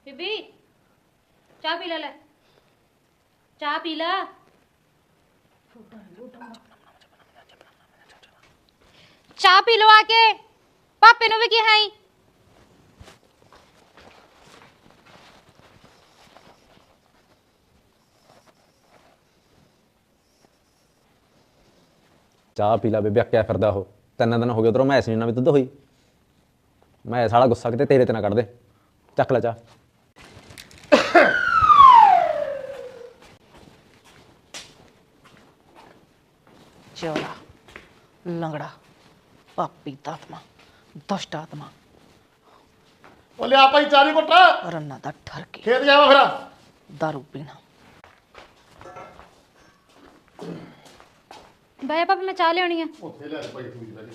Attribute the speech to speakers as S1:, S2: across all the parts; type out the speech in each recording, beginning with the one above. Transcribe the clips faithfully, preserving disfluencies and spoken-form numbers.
S1: बीबी चाह पी ले चाह पी ला चाह पी लो आके पापे नु भी की है
S2: चाह पी ला बेबे क्या फिरदा हो तीन दिन हो गए उधरों मैस नहीं ना भी दुद्ध होई मैं साला गुस्सा किते तेरे ते ना कट दे चक ले चाह
S3: चौड़ा लंगड़ा पापी तात्मा दुष्ट आत्मा
S4: बोले आप ही चारी कोटा
S3: रन्ना दा ठरकी
S4: खेत जावा फिर
S3: दारू पीना
S1: भैया पापा मैं चाह लेनी है
S4: ਉੱਥੇ ਲੈ ਭਾਈ ਤੂੰ ਜੀ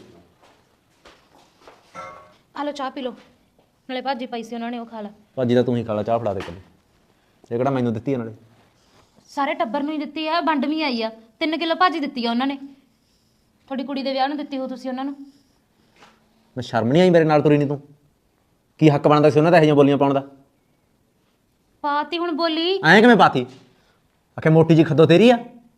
S1: आ लो चाह पी लो नाले भाजी पाई सी उन्होंने वो खा ला
S2: ਭਾਜੀ ਦਾ ਤੂੰ ਹੀ ਖਾ ਲਾ ਚਾਹ ਫੜਾ ਦੇ ਕੱਲੇ ਇਹ ਕਿਹੜਾ ਮੈਨੂੰ ਦਿੱਤੀ ਆ ਨਾਲੇ
S1: ਸਾਰੇ ਟੱਬਰ ਨੂੰ ਹੀ ਦਿੱਤੀ ਆ ਵੰਡ ਵੀ ਆਈ ਆ ਤਿੰਨ ਕਿਲੋ ਭਾਜੀ ਦਿੱਤੀ ਆ ਉਹਨਾਂ ਨੇ ਤੁਹਾਡੀ ਕੁੜੀ ਦੇ ਵਿਆਹ ਨੂੰ ਦਿੱਤੀ ਹੋ ਤੁਸੀਂ ਉਹਨਾਂ ਨੂੰ
S2: ਮੈਂ ਸ਼ਰਮ ਨਹੀਂ ਆਈ ਮੇਰੇ ਨਾਲ ਤੁਰੀ ਨਹੀਂ ਤੂੰ ਕੀ ਹੱਕ ਬਣਦਾ ਸੀ ਉਹਨਾਂ ਦਾ ਇਹੋ ਜਿਹੀਆਂ ਬੋਲੀਆਂ ਪਾਉਣ ਦਾ
S1: ਪਾਤੀ ਹੁਣ ਬੋਲੀ
S2: ਐਂ ਕਿਵੇਂ ਪਾਤੀ ਆਖੇ ਮੋਟੀ ਜੀ ਖੱਦੋ ਤੇਰੀ ਆ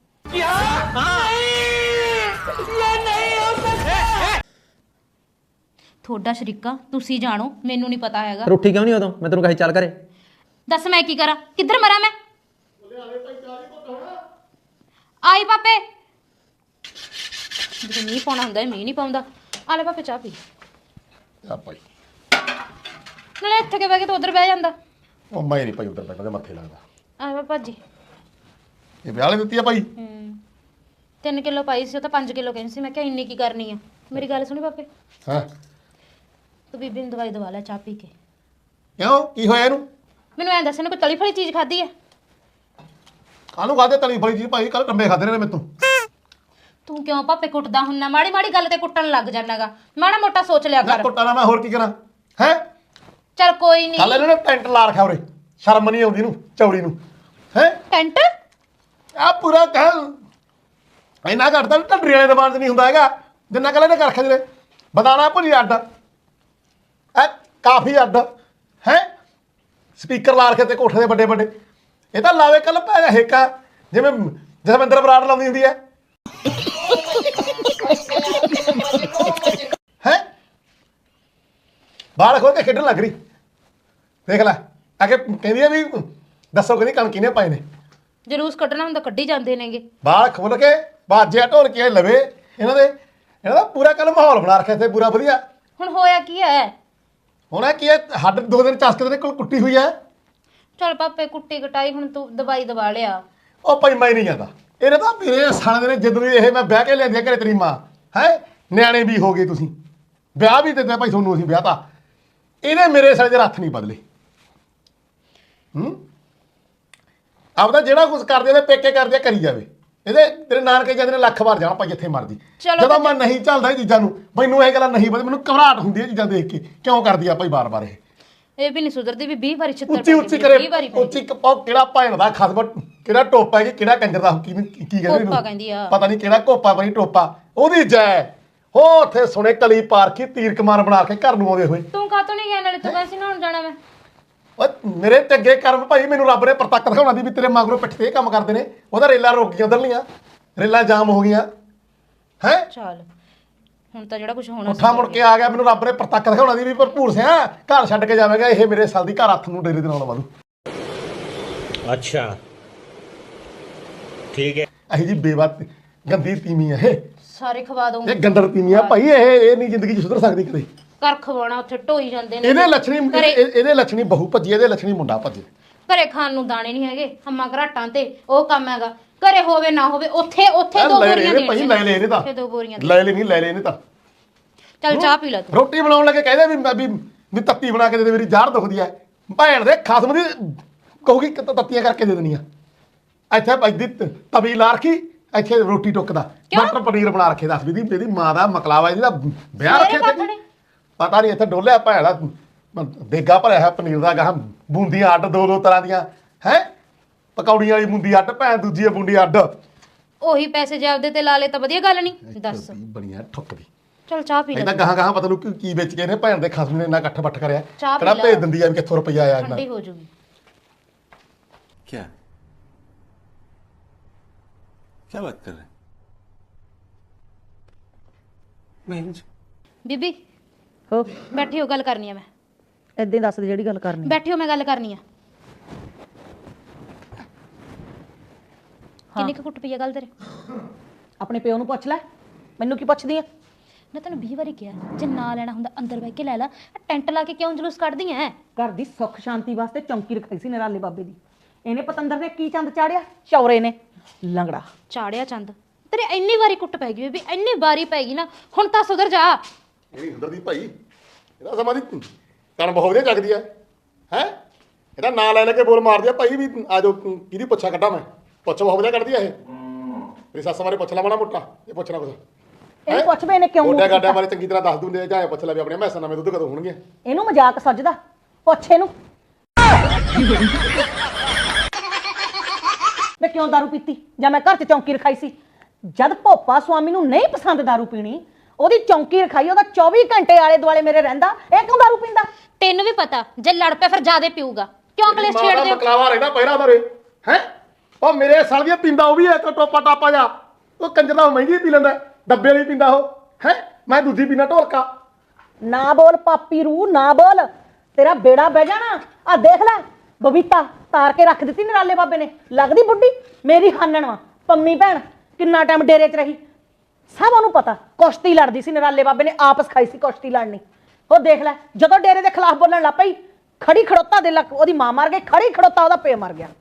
S1: ਤੁਹਾਡਾ ਸ਼ਰੀਕਾ ਤੁਸੀਂ ਜਾਣੋ ਮੈਨੂੰ ਨਹੀਂ ਪਤਾ ਹੈਗਾ
S2: ਰੋਟੀ ਕਿਉਂ ਨਹੀਂ ਉਦੋਂ ਮੈਂ ਤੈਨੂੰ ਕਹੀ ਚੱਲ ਕਰੇ
S1: ਦੱਸ ਮੈਂ ਕੀ ਕਰਾਂ ਕਿੱਧਰ ਮਰਾਂ ਮੈਂ ਆਈ ਪਾਪੇ ਜੇ ਮੀਂਹ ਪਾਉਣਾ ਹੁੰਦਾ ਮੀਂਹ ਨਹੀਂ ਪਾਉਂਦਾ ਆ ਲੈ ਪਾਪੇ ਚਾਹ ਪੀ
S4: ਆ ਭਾਈ
S1: ਨਾਲੇ ਇੱਥੇ ਕੇ ਬਹਿ ਕੇ ਤੂੰ ਉਧਰ ਬਹਿ ਜਾਂਦਾ
S4: ਉਹ ਮੈਂ ਨਹੀਂ ਭਾਈ ਉਧਰ ਬੈਠਾ ਤੇ ਮੱਥੇ ਲੱਗਦਾ
S1: ਆ ਵਾ ਭਾਜੀ
S4: ਇਹ ਵਿਆਹ ਵਾਲੀ ਦਿੱਤੀ ਆ ਭਾਈ
S1: ਹੂੰ ਤਿੰਨ ਕਿਲੋ ਪਾਈ ਸੀ ਉਹ ਤਾਂ ਪੰਜ ਕਿਲੋ ਕਹਿੰਦੀ ਸੀ ਮੈਂ ਕਿਹਾ ਇੰਨੀ ਕੀ ਕਰਨੀ ਆ ਮੇਰੀ ਗੱਲ ਸੁਣੀ ਪਾਪੇ
S4: ਹਾਂ
S1: ਤੂੰ ਬੀਬੀ ਨੂੰ ਦਵਾਈ ਦਵਾ ਲੈ ਚਾਹ ਪੀ ਕੇ
S4: ਕਿਉਂ ਕੀ ਹੋਇਆ ਇਹਨੂੰ
S1: ਮੈਨੂੰ ਐਂ ਦੱਸ ਇਹਨੇ ਕੋਈ ਤਲੀ ਫਲੀ ਚੀਜ਼ ਖਾਧੀ ਹੈ
S4: ਕਾਹਨੂੰ ਖਾਦੇ ਤਲੀ ਫਲੀ ਜੀ ਭਾਈ ਕੱਲ ਟੰਬੇ ਖਾਦੇ ਨੇ ਮੈਥੋਂ
S1: ਤੂੰ ਕਿਉਂ ਪਾਪੇ ਕੁੱਟਦਾ ਹੁੰਨਾ ਮਾੜੀ ਮਾੜੀ ਗੱਲ ਤੇ ਕੁੱਟਣ ਲੱਗ ਜਾਣਾਗਾ ਮਾੜਾ ਮੋਟਾ ਸੋਚ ਲਿਆ
S4: ਮੈਂ
S1: ਕਰ
S4: ਕੁੱਟਾ ਨਾ ਮੈਂ ਹੋਰ ਕੀ ਕਰਾਂ ਹੈ
S1: ਚਲ ਕੋਈ ਨਹੀਂ
S4: ਕੱਲ ਇਹਨਾਂ ਨੇ ਟੈਂਟ ਲਾ ਰੱਖਿਆ ਉਰੇ ਸ਼ਰਮ ਨਹੀਂ ਆਉਂਦੀ ਨੂੰ ਚੌੜੀ ਨੂੰ ਹੈ
S1: ਟੈਂਟ
S4: ਆ ਪੂਰਾ ਕਹਿ ਇੰਨਾ ਘੱਟਦਾ ਢੱਡਰੀ ਵਾਲੇ ਦੁਕਾਨ 'ਚ ਨਹੀਂ ਹੁੰਦਾ ਹੈਗਾ ਜਿੰਨਾ ਕੱਲ ਇਹਨੇ ਕਰ ਰੱਖਿਆ ਜਿਹੜੇ ਬਦਾਨਾ ਭੁਜੀ ਅੱਡ ਐ ਕਾਫੀ ਅੱਡ ਹੈ ਸਪੀਕਰ ਲਾ ਰੱਖੇ ਤੇ ਕੋਠੇ ਦੇ ਵੱਡੇ ਵੱਡੇ ਇਹ ਤਾਂ ਲਾਵੇ ਕੱਲ ਪੈ ਗਿਆ ਹੇਕਾ ਜਿਵੇਂ ਜਸਵਿੰਦਰ ਬਰਾੜ ਲਾਉਂਦੀ ਹੁੰਦੀ ਹੈ ਹੈ ਬਾਹਰ ਖੋਲ ਕੇ ਖੇਡਣ ਲੱਗ ਰਹੀ ਦੇਖ ਲੈ ਆ ਕੇ ਕਹਿੰਦੀ ਆ ਵੀ ਦੱਸੋ ਕਹਿੰਦੀ ਕਣ ਕਿਨੇ ਪਾਏ ਨੇ
S1: ਜਲੂਸ ਕੱਢਣਾ ਹੁੰਦਾ ਕੱਢੀ ਜਾਂਦੇ ਨੇਗੇ
S4: ਬਾਹਰ ਖੋਲ ਕੇ ਬਾਜਿਆ ਢੋਲ ਕੇ ਲਵੇ ਇਹਨਾਂ ਦੇ ਇਹਨਾਂ ਦਾ ਪੂਰਾ ਕੱਲ ਮਾਹੌਲ ਬਣਾ ਰੱਖਿਆ ਇੱਥੇ ਪੂਰਾ ਵਧੀਆ
S1: ਹੁਣ ਹੋਇਆ ਕੀ ਹੈ
S4: ਹੁਣ ਕੀ ਹੈ ਹੱਡ ਦੋ ਦਿਨ ਚਸਕ ਦੇ ਕੋਲ ਕੁੱਟੀ ਹੋਈ ਹੈ
S1: ਚਲ ਪਾਪੇ ਕੁੱਟੀ ਕਟਾਈ ਹੁਣ ਤੂੰ ਦਵਾਈ ਦਵਾ ਲਿਆ
S4: ਉਹ ਭਾਈ ਮੈਂ ਨਹੀਂ ਜਾਂਦਾ ਇਹਨੇ ਤਾਂ ਮੇਰੇ ਸਾਲੇ ਨੇ ਜਦੋਂ ਇਹ ਮੈਂ ਵਿਆਹ ਕੇ ਲਿਆਂਦੀ ਘਰੇ ਤੇਰੀ ਮਾਂ ਹੈ ਨਿਆਣੇ ਵੀ ਹੋ ਗਏ ਤੁਸੀਂ ਵਿਆਹ ਵੀ ਦਿੱਤਾ ਭਾਈ ਤੁਹਾਨੂੰ ਅਸੀਂ ਵਿਆਹ ਤਾਂ ਇਹਨੇ ਮੇਰੇ ਸਾਲੇ ਦੇ ਹੱਥ ਨਹੀਂ ਬਦਲੇ ਹੂੰ ਆਪਦਾ ਜਿਹੜਾ ਕੁਝ ਕਰਦੇ ਉਹਦੇ ਪੇਕੇ ਕਰਦੇ ਕਰੀ ਜਾਵੇ ਇਹਦੇ ਤੇਰੇ ਨਾਨਕੇ ਜਾਂਦੇ ਨੇ ਲੱਖ ਵਾਰ ਜਾਣਾ ਭਾਈ ਜਿੱਥੇ ਮਰਜੀ ਜਦੋਂ ਮੈਂ ਨਹੀਂ ਚੱਲਦਾ ਇਹ ਚੀਜ਼ਾਂ ਨੂੰ ਮੈਨੂੰ ਇਹ ਗੱਲਾਂ ਨਹੀਂ ਪਤਾ ਮੈਨੂੰ ਘਬਰਾਹਟ ਹੁੰਦੀ ਹੈ ਚੀਜ਼ਾਂ ਦੇਖ ਕੇ ਕਿਉਂ ਕਰਦੀ ਆ ਭਾਈ ਬਾਰ-ਬਾਰ ਇਹ
S1: ਇਹ ਵੀ ਨਹੀਂ ਸੁਧਰਦੀ ਵੀ ਵੀਹ ਵਾਰੀ ਛਿੱਤਰ
S4: ਉੱਚੀ ਉੱਚੀ ਕਰੇ ਉੱਚੀ ਕਪਾਉ ਕਿਹੜਾ ਭੈਣ ਦਾ ਖਸਮ ਕਿਹੜਾ ਟੋਪਾ ਹੈ ਕਿਹੜਾ ਕੰਜਰ ਦਾ ਕੀ ਕੀ ਕਹਿੰਦੇ
S1: ਕੋਪਾ ਕਹਿੰਦੀ ਆ
S4: ਪਤਾ ਨਹੀਂ ਕਿਹੜਾ ਕੋਪਾ ਬਣੀ ਟੋਪਾ ਉਹਦੀ ਜੈ ਹੋ ਉੱਥੇ ਸੁਣੇ ਕਲੀ ਪਾਰਖੀ ਤੀਰ ਕਮਾਨ ਬਣਾ ਕੇ ਘਰ ਨੂੰ ਆਉਂਦੇ ਹੋਏ
S1: ਤੂੰ ਕਾਹਤੋਂ ਨਹੀਂ ਗਿਆ ਨਾਲੇ ਤੂੰ ਵੈਸੇ ਨਾ ਹੁਣ ਜਾਣਾ ਮੈਂ
S4: ਓਏ ਮੇਰੇ ਚੰਗੇ ਕਰਮ ਭਾਈ ਮੈਨੂੰ ਰੱਬ ਨੇ ਪ੍ਰਤੱਖ ਦਿਖਾਉਣਾ ਦੀ ਵੀ ਤੇਰੇ ਮਗਰੋਂ ਪਿੱਠ ਤੇ ਇਹ ਕੰਮ ਕਰਦੇ ਨੇ ਉਹਦਾ ਰੇਲਾਂ ਰੁਕ ਗਈਆਂ ਉਧਰਲੀਆਂ ਰੇਲਾਂ ਜਾਮ ਹੋ ਗਈਆਂ ਹੈ
S1: ਚੱਲ ਹੁਣ ਤਾਂ ਜਿਹੜਾ ਕੁਝ ਹੋਣਾ
S4: ਉੱਠਾ ਮੁੜ ਕੇ ਆ ਗਿਆ ਮੈਨੂੰ ਰੱਬ ਨੇ ਪ੍ਰਤੱਖ ਦਿਖਾਉਣਾ ਦੀ ਵੀ ਭਰਪੂਰ ਸਿਆ ਘਰ ਛੱਡ ਕੇ ਜਾਵੇਗਾ ਇਹ ਮੇਰੇ ਸਾਲ ਦੀ ਘਰ ਹੱਥ ਨੂੰ ਡੇਰੇ ਦੇ ਨਾਲ ਵਾਲੂ
S5: अच्छा ठीक है
S4: ਅਹੀ ਜੀ ਬੇਵਤ ਗੰਦੀ ਤੀਮੀ ਆ ਇਹ
S1: ਸਾਰੇ ਖਵਾ ਦਊਂ
S4: ਇਹ ਗੰਦਰ ਤੀਮੀ ਆ ਭਾਈ ਇਹ ਇਹ ਨਹੀਂ ਜ਼ਿੰਦਗੀ 'ਚ ਸੁਧਰ ਸਕਦੀ ਕਦੇ
S1: ਕਰ ਖਵਾਉਣਾ ਉੱਥੇ ਢੋਈ ਜਾਂਦੇ ਨੇ
S4: ਇਹਦੇ ਲੱਛਣੀ ਇਹ- ਇਹਦੇ ਲੱਛਣੀ ਬਹੂ ਭੱਜੀ ਇਹਦੇ ਲੱਛਣੀ ਮੁੰਡਾ ਭੱਜੇ
S1: ਘਰੇ ਖਾਣ ਨੂੰ ਦਾਣੇ ਨਹੀਂ ਹੈਗੇ ਹੰਮਾ ਘਰਾਟਾਂ ਤੇ ਉਹ ਕੰਮ ਹੈਗਾ ਘਰੇ ਹੋਵੇ ਨਾ ਹੋਵੇ ਉੱਥੇ ਉੱਥੇ ਦੋ
S4: ਲੈ
S1: ਬੋਰੀਆਂ
S4: ਲੈ
S1: ਦੇ
S4: ਭਾਈ ਲੈ ਲੈ ਇਹਨੇ ਤਾਂ
S1: ਉੱਥੇ ਦੋ ਬੋਰੀਆਂ ਦੇ
S4: ਲੈ ਲੈ ਨਹੀਂ ਲੈ ਲੈ ਇਹਨੇ ਤਾਂ
S1: ਚੱਲ ਚਾਹ ਪੀ ਲੈ ਤੂੰ
S4: ਰੋਟੀ ਬਣਾਉਣ ਲੱਗੇ ਕਹਿੰਦੇ ਵੀ ਵੀ ਵੀ ਤੱਤੀ ਬਣਾ ਕੇ ਦੇ ਦੇ ਮੇਰੀ ਜ਼ਾਹਰ ਦੁਖਦੀ ਐ ਭੈਣ ਦੇ ਖਸਮ ਦੀ ਕਹੂਗੀ ਕਿ ਤੱਤੀਆਂ ਕਰਕੇ ਦੇ ਦੇਣੀਆਂ ਇੱਥੇ ਭਾਈ ਤਵੀ ਲਾ ਰੱਖੀ ਇੱਥੇ ਰੋਟੀ ਟੁੱਕਦਾ ਮਟਰ ਪਨੀਰ ਬਣਾ ਰੱਖੇ ਦੱਸ ਵੀ ਦੀ ਇਹਦੀ ਮਾਂ ਦਾ ਮਕਲਾਵਾ ਇਹਦਾ ਵਿਆਹ ਰੱਖੇ ਤੇ ਪਤਾ ਨਹੀਂ ਇੱਥੇ ਡੋਲਿਆ ਭੈਣ ਦਾ ਦੇਗਾ ਭਰਿਆ ਹੈ ਪਨੀਰ ਦਾ ਗਾਹ ਬੂੰਦੀਆਂ ਅੱਡ ਦੋ ਦੋ ਤਰ੍ਹਾਂ ਦੀਆਂ ਹੈ ਪਕੌੜੀਆਂ ਵਾਲੀ ਬੂੰਦੀ ਅੱਡ ਭੈਣ ਦੂਜੀ ਬੂੰਦੀ ਅੱਡ
S1: ਉਹੀ ਪੈਸੇ ਜੇ ਆਪਦੇ ਤੇ ਲਾ ਲੇ ਤਾਂ ਵਧੀਆ ਗੱਲ ਨਹੀਂ ਦੱਸ
S4: ਬਣੀਆਂ ਠੁੱਕਦੀ
S1: ਚਲ ਚਾਹ ਪੀ ਲੈ
S4: ਇਹਦਾ ਗਾਹਾਂ ਗਾਹਾਂ ਪਤਾ ਨੂੰ ਕੀ ਕੀ ਵੇਚ ਕੇ ਇਹਨੇ ਭੈਣ ਦੇ ਖਸਮ ਨੇ ਇੰਨਾ ਇਕੱਠ ਬੱਠ ਕਰਿਆ
S1: ਚਾਹ ਪੀ
S4: ਕਿਹੜਾ
S1: ਲੈ।
S4: ਭੇਜ ਦਿੰਦੀ ਆ ਵੀ ਕਿੱਥੋਂ ਰੁਪਈਆ ਆਇਆ ਇੰਨਾ
S1: ਠੰਡੀ ਹੋ ਜੂਗੀ
S6: क्या क्या बात कर रहे हैं बहन जी
S1: ਬੀਬੀ
S3: ਹੋ
S1: ਬੈਠੀ ਹੋ ਗੱਲ ਕਰਨੀ ਆ ਮੈਂ
S3: ਏਦਾਂ ਹੀ ਦੱਸ ਦੇ ਜਿਹੜੀ ਗੱਲ ਕਰਨੀ
S1: ਬੈਠੀ ਹੋ ਮੈਂ ਗੱਲ ਕਰਨੀ ਆ ਕਿੰਨੀ ਕੁ ਕੁੱਟ ਪਈ ਆ ਗੱਲ ਤੇਰੇ
S3: ਆਪਣੇ ਪਿਓ ਨੂੰ ਪੁੱਛ ਲੈ ਮੈਨੂੰ ਕੀ ਪੁੱਛਦੀ ਆ
S1: ਮੈਂ ਤੈਨੂੰ ਵੀਹ ਵਾਰੀ ਕਿਹਾ ਜੇ ਨਾ ਲੈਣਾ ਹੁੰਦਾ ਅੰਦਰ ਬਹਿ ਕੇ ਲੈ ਲੈ ਆਹ ਟੈਂਟ ਲਾ ਕੇ ਕਿਉਂ ਜਲੂਸ ਕੱਢਦੀ ਐ
S3: ਘਰ ਦੀ ਸੁੱਖ ਸ਼ਾਂਤੀ ਵਾਸਤੇ ਚੌਂਕੀ ਰਖਾਈ ਸੀ ਨਰਾਲੇ ਬਾਬੇ ਦੀ ਇਹਨੇ ਪਤੰਦਰ ਨੇ ਕੀ ਚੰਦ ਚਾੜਿਆ ਚੌਰੇ ਨੇ ਲੰਗੜਾ
S1: ਚਾੜਿਆ ਚੰਦ ਤੇਰੇ ਇੰਨੀ ਵਾਰੀ ਕੁੱਟ ਪੈ ਗਈ ਬੀਬੀ ਇੰਨੀ ਵਾਰੀ ਪੈ ਗਈ ਨਾ ਹੁਣ ਤਾਂ ਸੁਧਰ ਜਾ
S4: ਇਹ ਨਹੀਂ ਸੁਧਰਦੀ ਭਾਈ ਇਹਦਾ ਸਮਾਂ ਦੀ ਕਣ ਬਹੁਤ ਵਧੀਆ ਚੱਕਦੀ ਆ ਹੈ ਇਹਦਾ ਨਾਂ ਲੈ ਲੈ ਕੇ ਬੋਲ ਮਾਰਦੀ ਆ ਭਾਈ ਵੀ ਆ ਜਾਓ ਕਿਹਦੀ ਪੁੱਛਾ ਕੱਢਾਂ ਮੈਂ ਪੁੱਛ ਬਹੁਤ ਵਧੀਆ ਕੱਢਦੀ ਆ ਇਹ ਮੇਰੀ ਸੱਸ ਬਾਰੇ ਪੁੱਛ ਲਾ ਮਾੜਾ ਮੋਟਾ ਇਹ ਪੁੱਛਣਾ ਕੁਛ
S3: ਇਹਨੂੰ ਪੁੱਛ ਵੀ ਇਹਨੇ ਕਿਉਂ
S4: ਗੋਡਿਆ
S3: ਮੂੰਹ
S4: ਗਾਡਿਆਂ
S3: ਕੀਤਾ?
S4: ਬਾਰੇ ਚੰਗੀ ਤਰ੍ਹਾਂ ਦੱਸ ਦੂੰਦੇ ਜਾਂ ਇਹ ਪੁੱਛ ਲੈ ਵੀ ਆਪਣੇ ਮੈਸਾਂ ਨਵੇਂ ਦੁੱਧ ਕਦੋਂ ਹੋਣਗੇ
S3: ਇਹਨੂੰ ਮਜ਼ਾਕ ਸੱਜਦਾ ਪੁੱਛ ਇਹਨੂੰ ਮੈਂ ਕਿਉਂ ਦਾਰੂ ਪੀਤੀ ਜਾਂ ਮੈਂ ਘਰ 'ਚ ਚੌਂਕੀ ਰਖਾਈ ਸੀ ਜਦ ਭੋਪਾ ਸੁਆਮੀ ਨੂੰ ਨਹੀਂ ਪਸੰਦ ਦਾਰੂ ਪੀਣੀ ਉਹਦੀ ਚੌਂਕੀ ਰਖਾਈ ਉਹਦਾ ਚੌਵੀ ਘੰਟੇ ਆਲੇ ਦੁਆਲੇ ਮੇਰੇ ਰਹਿੰਦਾ ਇਹ ਕਿਉਂ ਦਾਰੂ ਪੀਂਦਾ
S1: ਤੈਨੂੰ ਵੀ ਪਤਾ ਜੇ ਲੜ ਪਿਆ ਫਿਰ ਜ਼ਿਆਦੇ ਪੀਊਗਾ ਕਿਉਂ ਕਲੇਸ਼ ਛੇੜਦੇ ਹੋ
S4: ਮਕਲਾਵਾ ਰਹਿਣਾ ਪਹਿਰਾ ਉਹਦਾ ਰੇ ਹੈ ਉਹ ਮੇਰੇ ਸਾਲ ਦੀਆਂ ਪੀਂਦਾ ਉਹ ਵੀ ਇੱਕ ਟੋਪਾ ਟਾਪਾ ਜਾ ਉਹ ਕੰਜਰ ਦਾ ਮਹਿੰਗੀ ਪੀ ਲੈਂਦਾ ਡੱਬੇ ਵਾਲੀ ਪੀਂਦਾ ਉਹ ਹੈ ਮੈਂ ਦੂਜੀ ਪੀਣਾ ਢੋਲਕਾ
S3: ਨਾ ਬੋਲ ਪਾਪੀ ਰੂ ਨਾ ਬੋਲ ਤੇਰਾ ਬੇੜਾ ਬਹਿ ਜਾਣਾ ਆ ਦੇਖ ਲੈ ਬਬੀਤਾ ਤਾਰ ਕੇ ਰੱਖ ਦਿੱਤੀ ਨਰਾਲੇ ਬਾਬੇ ਨੇ ਲੱਗਦੀ ਬੁੱਢੀ ਮੇਰੀ ਹਾਨਣ ਵਾ ਪੰਮੀ ਭੈਣ ਕਿੰਨਾ ਟਾਈਮ ਡੇਰੇ 'ਚ ਰਹੀ ਸਭ ਉਹਨੂੰ ਪਤਾ ਕੁਸ਼ਤੀ ਲੜਦੀ ਸੀ ਨਰਾਲੇ ਬਾਬੇ ਨੇ ਆਪ ਸਿਖਾਈ ਸੀ ਕੁਸ਼ਤੀ ਲੜਨੀ ਉਹ ਦੇਖ ਲੈ ਜਦੋਂ ਡੇਰੇ ਦੇ ਖਿਲਾਫ ਬੋਲਣ ਲੱਗ ਪਈ ਖੜੀ ਖੜੋਤਾ ਦੇ ਲੱਕ ਉਹਦੀ ਮਾਂ ਮਰ ਗਈ ਖੜੀ ਖੜੋਤਾ ਉਹਦਾ ਪੇ ਮਰ ਗਿਆ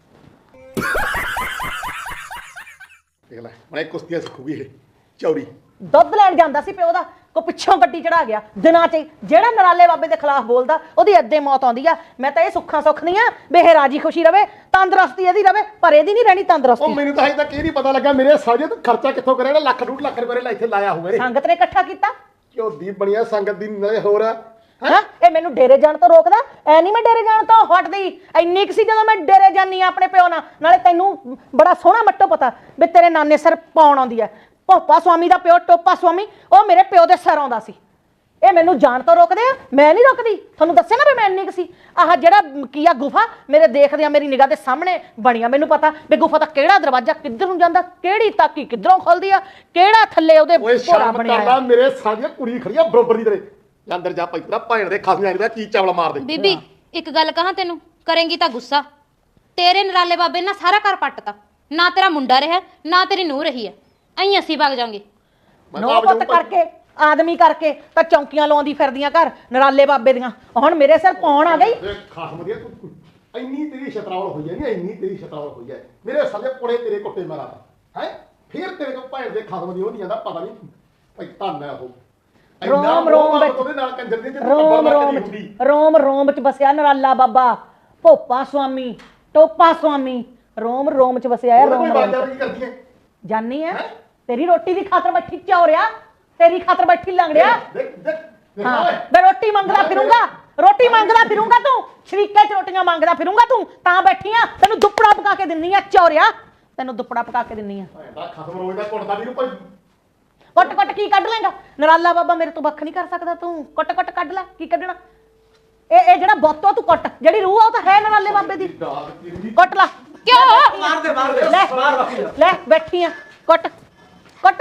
S4: ਦੇਖ ਲੈ ਮੈਂ ਕੁਸ਼ਤੀਆਂ ਸਿੱਖੂਗੀ ਇਹ ਚੌੜੀ
S3: ਦੁੱਧ ਲੈਣ ਜਾਂਦਾ ਸੀ ਪਿਓ ਦਾ ਕੋ ਪਿੱਛੋਂ ਗੱਡੀ ਚੜਾ ਗਿਆ ਦਿਨਾਂ 'ਚ ਜਿਹੜਾ ਨਰਾਲੇ ਬਾਬੇ ਦੇ ਖਿਲਾਫ ਬੋਲਦਾ ਉਹਦੀ ਅੱਧੇ ਮੌਤ ਆਉਂਦੀ ਆ ਮੈਂ ਤਾਂ ਇਹ ਸੁੱਖਾਂ ਸੁੱਖ ਨਹੀਂ ਆ ਵੀ ਇਹ ਰਾਜੀ ਖੁਸ਼ੀ ਰਵੇ ਤੰਦਰੁਸਤੀ ਇਹਦੀ ਰਵੇ ਪਰ ਇਹਦੀ ਨਹੀਂ ਰਹਿਣੀ
S4: ਉਹ
S3: ਤੰਦਰੁਸਤੀ
S4: ਮੈਨੂੰ ਤਾਂ ਹਜੇ ਤੱਕ ਇਹ ਨਹੀਂ ਪਤਾ ਲੱਗਾ ਮੇਰੇ ਸਾਜੇ ਤੂੰ ਖਰਚਾ ਕਿੱਥੋਂ ਕਰਿਆ ਲੱਖ ਡੂਢ ਲੱਖ ਰੁਪਏ ਲੈ ਇੱਥੇ ਲਾਇਆ ਹੋਵੇ
S3: ਸੰਗਤ ਨੇ ਇਕੱਠਾ ਕੀਤਾ
S4: ਕਿਉਂ ਦੀ ਬਣਿਆ ਸੰਗਤ ਦੀ ਨਾਲੇ ਹੋਰ ਆ
S3: ਹਾਂ ਇਹ ਮੈਨੂੰ ਡੇਰੇ ਜਾਣ ਤੋਂ ਰੋਕਦਾ ਐ ਨਹੀਂ ਮੈਂ ਡੇਰੇ ਜਾਣ ਤੋਂ ਹਟਦੀ ਇੰਨੀ ਕੁ ਸੀ ਜਦੋਂ ਮੈਂ ਡੇਰੇ ਜਾਨੀ ਆ ਆਪਣੇ ਪਿਓ ਨਾਲ ਨਾਲੇ ਤੈਨੂੰ ਬੜਾ ਸੋਹਣਾ ਮੱਟੋ ਪਤਾ ਵੀ ਤੇਰੇ ਨਾਨੇ ਸਿਰ ਪਾਉਣ ਆਉਂਦੀ ਐ ਭੋਪਾ ਸੁਆਮੀ ਦਾ ਪਿਓ ਟੋਪਾ ਸੁਆਮੀ ਉਹ ਮੇਰੇ ਪਿਓ ਦੇ ਸਿਰ ਆਉਂਦਾ ਸੀ ਇਹ ਮੈਨੂੰ ਜਾਣ ਤੋਂ ਰੋਕਦੇ ਆ ਮੈਂ ਨਹੀਂ ਰੋਕਦੀ ਤੁਹਾਨੂੰ ਦੱਸਿਆ ਨਾ ਵੀ ਮੈਂ ਇੰਨੀ ਕੁ ਸੀ ਆਹ ਜਿਹੜਾ ਕੀ ਆ ਗੁਫਾ ਮੇਰੇ ਦੇਖਦੇ ਆ ਮੇਰੀ ਨਿਗਾਹ ਦੇ ਸਾਹਮਣੇ ਬਣੀਆਂ ਮੈਨੂੰ ਪਤਾ ਵੀ ਗੁਫਾ ਦਾ ਕਿਹੜਾ ਦਰਵਾਜ਼ਾ ਕਿੱਧਰ ਨੂੰ ਜਾਂਦਾ ਕਿਹੜੀ ਤਾਕੀ ਕਿੱਧਰੋਂ ਖੁੱਲਦੀ ਆ ਕਿਹੜਾ ਥੱਲੇ ਉਹਦੇ
S4: ਓਏ
S3: ਭੋਰਾ
S4: ਸ਼ਰਮ
S3: ਬਣਿਆ
S4: ਕਰਦਾ
S3: ਆ।
S4: ਮੇਰੇ ਸਾਜੇ ਕੁੜੀ ਖੜੀ ਆ ਬਰੋਬਰ ਦੀ ਤੇਰੇ ਜਾਂ ਅੰਦਰ ਜਾ ਪੈਤਰਾ ਭੈਣ ਦੇ ਖਸਮ ਜਾਣੀ ਦਾ ਕੀ ਚਾਵਲਾ ਮਾਰ ਦੇ
S1: ਬੀਬੀ ਇੱਕ ਗੱਲ ਕਹਾਂ ਤੈਨੂੰ ਕਰੇਂਗੀ ਤਾਂ ਗੁੱਸਾ ਤੇਰੇ ਨਰਾਲੇ ਬਾਬੇ ਨੇ ਨਾ ਸਾਰਾ ਘਰ ਪੱਟਤਾ ਨਾ ਤੇਰਾ ਮੁੰਡਾ ਰਿਹਾ ਨਾ ਤੇਰੀ ਨੂੰਹ ਰਹੀ ਐ ਅਹੀਂ ਅਸੀਂ ਵਗ ਜਾਾਂਗੇ
S4: ਮੈਂ ਤਾਂ
S3: ਨੋ
S4: ਆਪ
S3: ਪੁੱਤ
S4: ਜਾਊਂ ਭਾਈ।
S3: ਕਰਕੇ ਆਦਮੀ ਕਰਕੇ ਤਾਂ ਚੌਂਕੀਆਂ ਲਾਉਂਦੀ ਫਿਰਦੀਆਂ ਘਰ ਨਰਾਲੇ ਬਾਬੇ ਦੀਆਂ ਹੁਣ ਮੇਰੇ ਸਿਰ ਪਾਉਣ ਆ ਗਈ
S4: ਇਹ ਖਸਮ ਦੀ ਤੂੰ ਤੂੰ- ਇੰਨੀ ਤੇਰੀ ਸ਼ਤਰਾਵਲ ਹੋਈ ਹੈ ਨਹੀਂ ਇੰਨੀ ਤੇਰੀ ਸ਼ਤਰਾਵਲ ਹੋਈ ਹੈ ਮੇਰੇ ਸਾਲੇ ਕੋਲੇ ਤੇਰੇ ਕੁੱਟੇ ਮਾਰਾ ਹੈ ਫਿਰ ਤੇਰੇ ਤੋਂ ਭੈਣ ਦੇ ਖਸਮ ਦੀ ਉਹ ਨਹੀਂ ਜਾਂਦਾ ਪਤਾ ਨਹੀਂ ਭਾਈ ਧੰਨ ਹੈ ਉਹ ਇੰਨਾ
S3: ਰੋਮ ਰੋਮ
S4: ਮੋਹ
S3: ਵਿੱਚ
S4: ਉਹਦੇ ਨਾਲ ਕੰਜਰ ਦੀ ਜਿੱਦ
S3: ਰੋਮ
S4: ਟੱਬਰ
S3: ਰੋਮ
S4: ਨਾਲ
S3: ਚ
S4: ਹੁੰਦੀ
S3: ਰੋਮ ਰੋਮ ਚ ਵਸਿਆ ਨਰਾਲਾ ਬਾਬਾ ਭੋਪਾ ਸੁਆਮੀ ਟੋਪਾ ਸੁਆਮੀ ਰੋਮ ਰੋਮ ਚ ਵਸਿਆ ਹੈ
S4: ਉਹਦਾ ਕੋਈ
S3: ਰੋਮ ਰੋਮ
S4: ਬਾਤ
S3: ਚ।
S4: ਨਹੀਂ ਕਰਦੀ ਹੈ
S3: ਜਾਨੀ ਆ ਤੇਰੀ ਰੋਟੀ ਦੀ ਖਾਤਰ ਬੈਠੀ ਚੌਰਿਆ ਤੇਰੀ ਖਾਤਰ ਬੈਠੀ ਲੰਗੜਿਆ
S4: ਦੇਖ ਦੇਖ ਦੇਖ
S3: ਹਾਂ
S4: ਓਏ
S3: ਮੈਂ ਰੋਟੀ ਮੰਗਦਾ ਫਿਰੂੰਗਾ ਰੋਟੀ ਮੰਗਦਾ ਫਿਰੂੰਗਾ ਤੂੰ ਸ਼ਰੀਕੇ ਚ ਰੋਟੀਆਂ ਮੰਗਦਾ ਫਿਰੂੰਗਾ ਤੂੰ ਤਾਂ ਬੈਠੀ ਆ ਤੈਨੂੰ ਦੁੱਪੜਾ ਪਕਾ ਕੇ ਦਿੰਨੀ ਆ ਚੌਰਿਆ ਤੈਨੂੰ ਦੁੱਪੜਾ ਪਕਾ ਕੇ ਦਿੰਨੀ ਆ
S4: ਭੈਣ ਦਾ ਖਸਮ ਰੋਜ਼ ਦਾ ਕੁੱਟਦਾ ਨਹੀਂ ਭਾਈ
S3: ਕੁੱਟ ਕੁੱਟ ਕੀ ਕੱਢ ਲੇਗਾ ਨਰਾਲਾ ਬਾਬਾ ਮੇਰੇ ਤੋਂ ਵੱਖ ਨਹੀਂ ਕਰ ਸਕਦਾ ਤੂੰ ਕੁੱਟ ਕੁੱਟ ਕੱਢ ਲੈ ਕੀ ਕੱਢਣਾ ਇਹ ਇਹ ਜਿਹੜਾ ਬੋਤੋ ਤੂੰ ਕੁੱਟ ਜਿਹੜੀ ਰੂਹ ਆ ਉਹ ਤਾਂ ਹੈ ਨਰਾਲੇ ਬਾਬੇ ਦੀ
S4: ਦਾਦ ਕਿੰਨੀ
S3: ਕੁੱਟ ਲਾ
S1: ਕਿਉਂ
S4: ਮਾਰ ਦੇ ਮਾਰ ਦੇ
S3: ਲੈ
S4: ਮਾਰ ਬਾਕੀ
S3: ਲੈ ਬੈਠੀ ਆ ਕੁੱਟ ਕੁੱਟ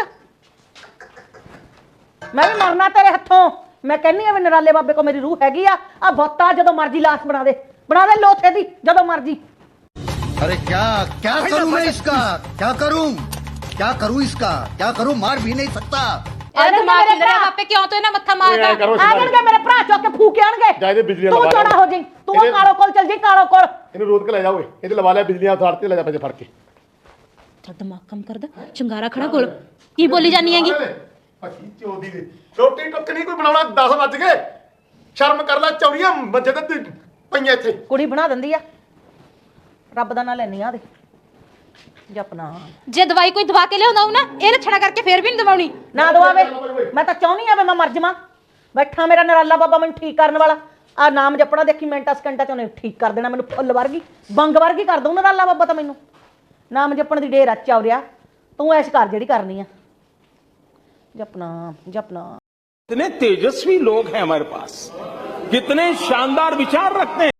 S3: ਮੈਂ ਵੀ ਮਰਨਾ ਤੇਰੇ ਹੱਥੋਂ ਮੈਂ ਕਹਿੰਨੀ ਆ ਵੀ ਨਰਾਲੇ ਬਾਬੇ ਕੋ ਮੇਰੀ ਰੂਹ ਹੈਗੀ ਆ ਆ ਬੋਤਾ ਜਦੋਂ ਮਰਜੀ ਲਾਸ਼ ਬਣਾ ਦੇ ਬਣਾ ਦੇ ਲੋਥੇ ਦੀ ਜਦੋਂ ਮਰਜੀ
S7: अरे क्या क्या करूं मैं इसका क्या करूं क्या करूं इसका क्या करूं मार भी नहीं सकता
S1: ਇਹਦਾ ਦਿਮਾਗ ਹਿੱਲ ਰਿਹਾ ਬਾਪੇ ਕਿਉਂ ਤੂੰ ਇਹਨਾਂ ਮੱਥਾ
S4: ਓਏ
S1: ਮਾਰਦਾ
S4: ਐਂ ਕਰੋ
S3: ਆਣਗੇ ਮੇਰੇ ਭਰਾ ਚੁੱਕ ਕੇ ਫੂਕੇ ਆਣਗੇ
S4: ਜਾ ਇਹਦੇ ਬਿਜਲੀ
S3: ਤੂੰ
S4: ਲਵਾ
S3: ਚੋੜਾ ਹੋ ਜਾਈਂ ਤੂੰ ਉਹ ਕਾਲੋ ਕੋਲ ਚੱਲ ਜਾਈਂ ਕਾਲੋ ਕੋਲ
S4: ਇਹਨੂੰ ਰੋਦ ਕੇ ਲੈ ਜਾ ਓਏ ਇਹਦੇ ਲਵਾ ਲਿਆ ਬਿਜਲੀਆਂ ਥਾੜ ਤੇ ਲੈ ਜਾ ਪੈਸੇ ਫੜ ਕੇ
S1: ਤੇਰਾ ਦਿਮਾਗ ਕੰਮ ਕਰਦਾ ਚੰਗਾਰਾ ਖੜਾ ਕੋਲ ਕੀ ਬੋਲੀ ਜਾਨੀ ਹੈਗੀ
S4: ਪੱਕੀ ਚੋਦੀ ਦੇ ਰੋਟੀ ਟੁੱਕ ਨਹੀਂ ਕੋਈ ਬਣਾਉਣਾ ਦਸ ਵੱਜ ਗਏ ਸ਼ਰਮ ਕਰ ਲੈ ਚੌੜੀਆਂ ਮੰਜੇ ਤੇ ਤੂੰ ਪਈਆਂ ਇੱਥੇ
S3: ਕੁੜੀ ਬਣਾ ਦਿੰਦੀ ਆ ਰੱਬ ਦਾ ਨਾਂ ਲੈਣੀ ਆ ਦੇ ਜਪਨਾ
S1: ਜੇ ਦਵਾਈ ਕੋਈ ਦਵਾ ਕੇ ਲਿਆਉਂਦਾ ਹੋ ਨਾ ਇਹ ਲੱਛਣਾ ਕਰਕੇ ਫੇਰ ਵੀ ਨਹੀਂ ਦਵਾਉਣੀ
S3: ਨਾ ਦਵਾਵੇ ਮੈਂ ਤਾਂ ਚਾਹੁੰਦੀ ਆ ਵੀ ਮੈਂ ਮਰ ਜਾਵਾਂ ਬੈਠਾ ਮੇਰਾ ਨਰਾਲਾ ਬਾਬਾ ਮੈਨੂੰ ਠੀਕ ਕਰਨ ਵਾਲਾ ਆ ਨਾਮ ਜਪਣਾ ਦੇਖੀ ਮਿੰਟਾਂ ਸਕਿੰਟਾਂ ਚ ਉਹਨੇ ਠੀਕ ਕਰ ਦੇਣਾ ਮੈਨੂੰ ਫੁੱਲ ਵਰਗੀ ਬੰਗ ਵਰਗੀ ਕਰ ਦਊ ਨਰਾਲਾ ਬਾਬਾ ਤਾਂ ਮੈਨੂੰ ਨਾਮ ਜਪਣ ਦੀ ਢੇਰ ਆ ਚੌਰਿਆ ਤੂੰ ਐਸ਼ ਕਰ ਜਿਹੜੀ ਕਰਨੀ ਆ ਜਪਨਾ ਜਪਨਾ
S5: कितने तेजस्वी लोग हैं हमारे पास, कितने शानदार विचार रखते हैं।